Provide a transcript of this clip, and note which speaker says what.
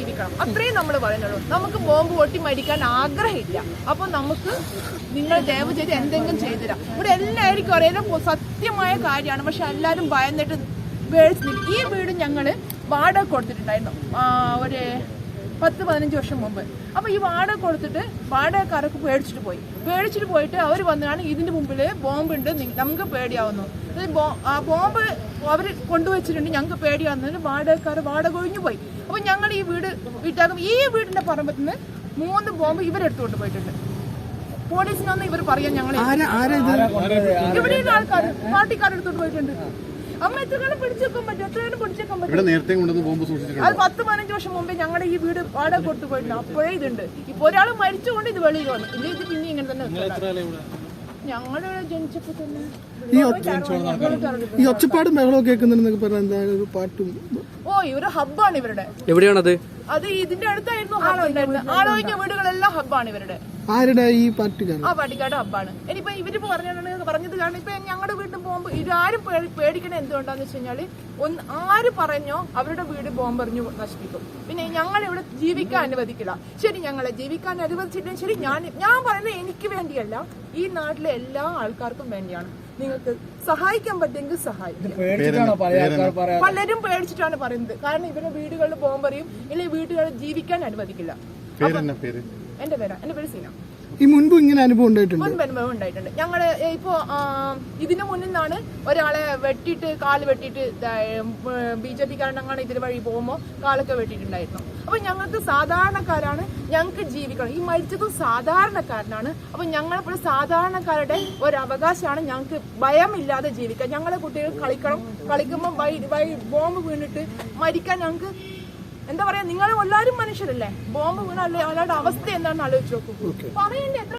Speaker 1: ജീവിക്കണം, അത്രയും നമ്മൾ പറയുന്നുള്ളൂ. നമുക്ക് ബോംബ് പൊട്ടി മരിക്കാൻ ആഗ്രഹമില്ല. അപ്പൊ നമുക്ക് നിങ്ങൾ ദയവ് ചെയ്ത് എന്തെങ്കിലും ചെയ്തുതരാം. ഇവിടെ എല്ലാവർക്കും അറിയാം സത്യമായ കാര്യമാണ്. പക്ഷെ എല്ലാവരും ഭയന്നിട്ട് ഈ വീട് ഞങ്ങള് വാടക കൊടുത്തിട്ടുണ്ടായിരുന്നു ഒരു 10-15 വർഷം മുമ്പ്. അപ്പൊ ഈ വാടക കൊടുത്തിട്ട് വാടകക്കാരൊക്കെ പേടിച്ചിട്ട് പോയിട്ട് അവർ വന്നാണ് ഇതിന്റെ മുമ്പിൽ ബോംബുണ്ട്, നമുക്ക് പേടിയാവുന്നു, ബോംബ് അവർ കൊണ്ടുവച്ചിട്ടുണ്ട്, ഞങ്ങൾക്ക് പേടിയാവുന്നതിന് വാടക ഒഴിഞ്ഞു പോയി. അപ്പൊ ഞങ്ങൾ ഈ വീട് വീട്ടാകും ഈ വീടിന്റെ പറമ്പത്തിൽ നിന്ന് 3 ബോംബ് ഇവരെടുത്തുകൊണ്ട് പോയിട്ടുണ്ട്. പോലീസിനൊന്നും ഇവർ പറയാൻ ഞങ്ങൾ ഇവിടെയുള്ള ആൾക്കാർ പാർട്ടിക്കാരെടുത്തോണ്ട് പോയിട്ടുണ്ട്. അമ്മ എത്ര കാലം പിടിച്ചേക്കാൻ പറ്റും? എത്രയാണ് പിടിച്ചേക്കാൻ പറ്റും? അത് 10-15 വർഷം മുമ്പേ ഞങ്ങളുടെ ഈ വീട് വാടക കൊടുത്തു പോയിട്ടുണ്ട്. അപ്പോഴേ ഇതുണ്ട്. ഇപ്പൊ ഒരാൾ മരിച്ചുകൊണ്ട് ഇത് വെളിയിൽ വന്നു. ഇത് പിന്നെ ഇങ്ങനെ തന്നെ ഞങ്ങളുടെ ജനിച്ചപ്പോ തന്നെ
Speaker 2: ഈ ഒച്ചപ്പാടും ബഹളവും കേൾക്കുന്നുണ്ടെന്നൊക്കെ പറഞ്ഞ എന്താ ഒരു പാട്ടും.
Speaker 1: ഇവര് ഹബ്ബാണ് ഇവരുടെ.
Speaker 3: എവിടെയാണത്?
Speaker 1: അത് ഇതിന്റെ അടുത്തായിരുന്നു ആളൊഴിഞ്ഞ വീടുകളെല്ലാം ഹബ്ബാണ് ഇവരുടെ.
Speaker 2: ആരുടെ? ഈ പാർട്ടിക്കാർ.
Speaker 1: ആ പാർട്ടിക്കാരുടെ ഹബ്ബാണ്. ഇനിയിപ്പോ ഇവരിപ്പോ പറഞ്ഞത് കാരണം ഇപ്പൊ ഞങ്ങളുടെ വീട്ടിൽ പോകുമ്പോ ഇതാരും പേടിക്കണ എന്തുകൊണ്ടാന്ന് വെച്ച് കഴിഞ്ഞാല് ആര് പറഞ്ഞോ അവരുടെ വീട് ബോംബെറിഞ്ഞു നശിപ്പിക്കും. പിന്നെ ഞങ്ങൾ ഇവിടെ ജീവിക്കാൻ അനുവദിക്കില്ല. ശരി, ഞങ്ങളെ ജീവിക്കാൻ അനുവദിച്ചിട്ടും ശരി, ഞാൻ പറയുന്നത് എനിക്ക് വേണ്ടിയല്ല, ഈ നാട്ടിലെ എല്ലാ ആൾക്കാർക്കും വേണ്ടിയാണ്. നിങ്ങൾക്ക് സഹായിക്കാൻ പറ്റുമെങ്കിൽ സഹായിക്കും. പലരും പേടിച്ചിട്ടാണ് പറയുന്നത്. കാരണം ഇവരുടെ വീടുകളിൽ ബോംബെറിയും, ഇല്ലെങ്കിൽ വീടുകളിൽ ജീവിക്കാൻ അനുവദിക്കില്ല. എന്റെ പേര് സീന.
Speaker 2: ഈ മുൻപ് ഇങ്ങനെ അനുഭവം
Speaker 1: ഉണ്ടായിട്ടുണ്ട്. ഞങ്ങള് ഇപ്പോ ഇതിനു മുന്നിൽ നിന്നാണ് ഒരാളെ കാല് വെട്ടിയിട്ട് BJP-കാരനങ്ങനെ ഇതിന് വഴി പോകുമ്പോ കാലൊക്കെ വെട്ടിയിട്ടുണ്ടായിരുന്നു. അപ്പൊ ഞങ്ങൾക്ക് സാധാരണക്കാരാണ്, ഞങ്ങൾക്ക് ജീവിക്കണം. ഈ മരിച്ചതും സാധാരണക്കാരനാണ്. അപ്പൊ ഞങ്ങളിപ്പോൾ സാധാരണക്കാരുടെ ഒരു അവകാശമാണ് ഞങ്ങൾക്ക് ഭയമില്ലാതെ ജീവിക്കാൻ. ഞങ്ങളെ കുട്ടികൾ കളിക്കുമ്പോൾ ബോംബ് വീണിട്ട് മരിക്കാൻ ഞങ്ങൾക്ക് എന്താ പറയാ, നിങ്ങൾ എല്ലാവരും മനുഷ്യരല്ലേ? ബോംബ് വീണല്ലേ, അവരുടെ അവസ്ഥ എന്താണെന്ന് ആലോചിച്ച് നോക്കൂ. പറയണ്ടേ?